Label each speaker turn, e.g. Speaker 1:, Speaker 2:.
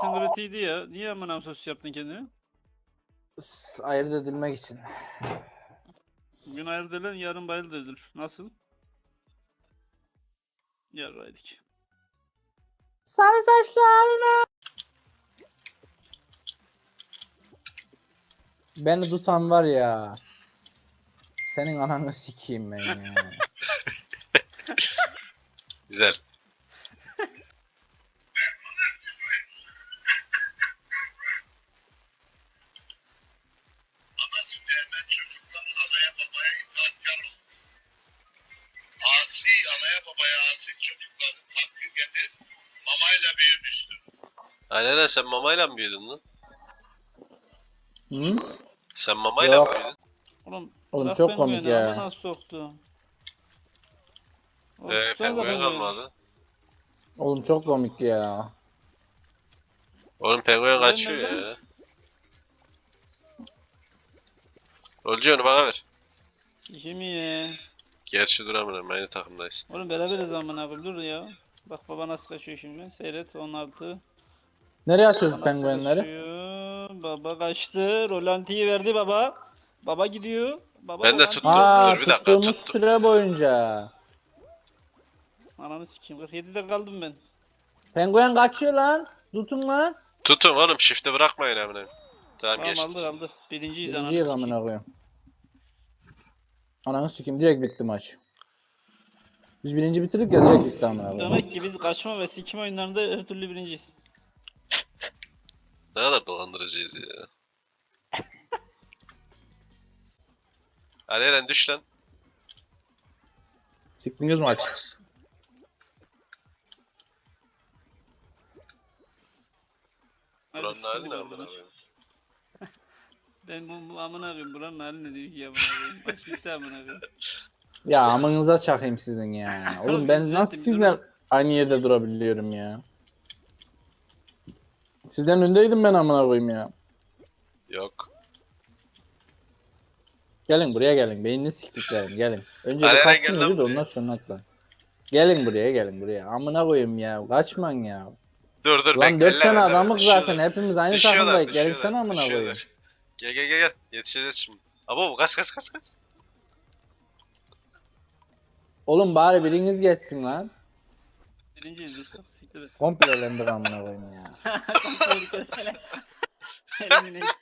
Speaker 1: Sosyetin kritiğiydi ya. Niye amına sos yaptın kendini?
Speaker 2: Ayırt edilmek için.
Speaker 1: Bugün ayırt edilen yarın bayırt edilir. Nasıl? Yarraydık.
Speaker 2: Sarı saçlarına. Beni tutan var ya. Senin ananı sikeyim ben ya.
Speaker 3: Güzel.
Speaker 4: Asi anaya babaya asi çocukların hakkı getir mamayla büyümüştür.
Speaker 3: Alena sen mamayla mı büyüdün lan?
Speaker 2: Hı?
Speaker 3: Sen mamayla mı
Speaker 2: Yok.
Speaker 3: büyüdün?
Speaker 2: Oğlum
Speaker 1: bırak
Speaker 2: çok
Speaker 1: ben
Speaker 2: komik
Speaker 1: güveni, ama
Speaker 2: ya.
Speaker 1: nasıl soktu? Oğlum tutsanıza
Speaker 3: Penguen
Speaker 1: pengueni.
Speaker 3: kalmadı.
Speaker 2: Oğlum çok komik ya.
Speaker 3: Oğlum penguen
Speaker 1: Ben
Speaker 3: kaçıyor
Speaker 1: nereden?
Speaker 3: ya. Olcu onu bana ver.
Speaker 1: Sikimi ye.
Speaker 3: Gerçi duramıyorum, aynı takımdayız.
Speaker 1: Oğlum beraberiz amına koyayım, dur ya. Bak baba nasıl kaçıyor şimdi. Seyret 16.
Speaker 2: Nereye atıyoruz
Speaker 1: Baba nasıl
Speaker 2: penguenleri?
Speaker 1: kaçıyor? Baba kaçtı. Rolantiyi verdi baba. Baba gidiyor. Baba
Speaker 3: Ben de
Speaker 1: rolantiyi
Speaker 3: tuttum.
Speaker 1: verdi.
Speaker 3: Dur bir dakika,
Speaker 2: Tuttuğumuz
Speaker 3: tuttum.
Speaker 2: süre boyunca.
Speaker 1: Ananı sikeyim. 47'de kaldım ben.
Speaker 2: Penguen kaçıyor lan. Tutun lan.
Speaker 3: Tutun oğlum, shift'e bırakmayın amına. Tamam,
Speaker 1: Tamam,
Speaker 3: geçti.
Speaker 1: aldık. Birinciyiz, ananı
Speaker 2: Birinciyi
Speaker 1: sikeyim.
Speaker 2: amına koyayım. Ananı sikeyim, direkt bitti maç. Biz birinci bitirdik ya, direkt bitti amına koyayım.
Speaker 1: Demek ki biz kaçma ve sikim oyunlarında her türlü birinciyiz.
Speaker 3: Ne kadar dolandırıcıyız ya. Hadi Eren düş lan.
Speaker 2: Siktiniz maç.
Speaker 1: Harbi
Speaker 3: Buranın hali
Speaker 1: sikildik
Speaker 3: ne
Speaker 1: orada
Speaker 3: amına
Speaker 1: maç.
Speaker 3: koyayım?
Speaker 1: Ben bu amına koyayım, buranın hali ne diyor ki amına koyayım. Maç bitti amına koyayım.
Speaker 2: Ya amınıza çakayım sizin ya. Oğlum ben nasıl sizle aynı yerde durabiliyorum ya. Sizden öndeydim ben amına koyayım ya.
Speaker 3: Yok.
Speaker 2: Gelin buraya gelin. Beynini siktiklerim gelin. Önce
Speaker 3: Hadi
Speaker 2: bir
Speaker 3: Eren,
Speaker 2: kaçsın
Speaker 3: gel lan
Speaker 2: önce de
Speaker 3: buraya.
Speaker 2: ondan sonra atla. Gelin buraya. Amına koyayım ya. Kaçman ya.
Speaker 3: Dur dur,
Speaker 2: Lan
Speaker 3: bekle,
Speaker 2: 4
Speaker 3: elleme
Speaker 2: tane
Speaker 3: elleme.
Speaker 2: adamız zaten.
Speaker 3: Düşüyorlar.
Speaker 2: Hepimiz aynı
Speaker 3: Düşüyorlar,
Speaker 2: takımdayız.
Speaker 3: düşüyorlar,
Speaker 2: Gelirsene amına koyayım.
Speaker 3: düşüyorlar. Gel. Yetişeceğiz şimdi. Abo kaç.
Speaker 2: Oğlum bari biriniz geçsin lan.
Speaker 1: Birinciyiz, dursak siktir et.
Speaker 2: Komple elendik amına koyayım ya.
Speaker 1: Kontrol kesene. Eliminates.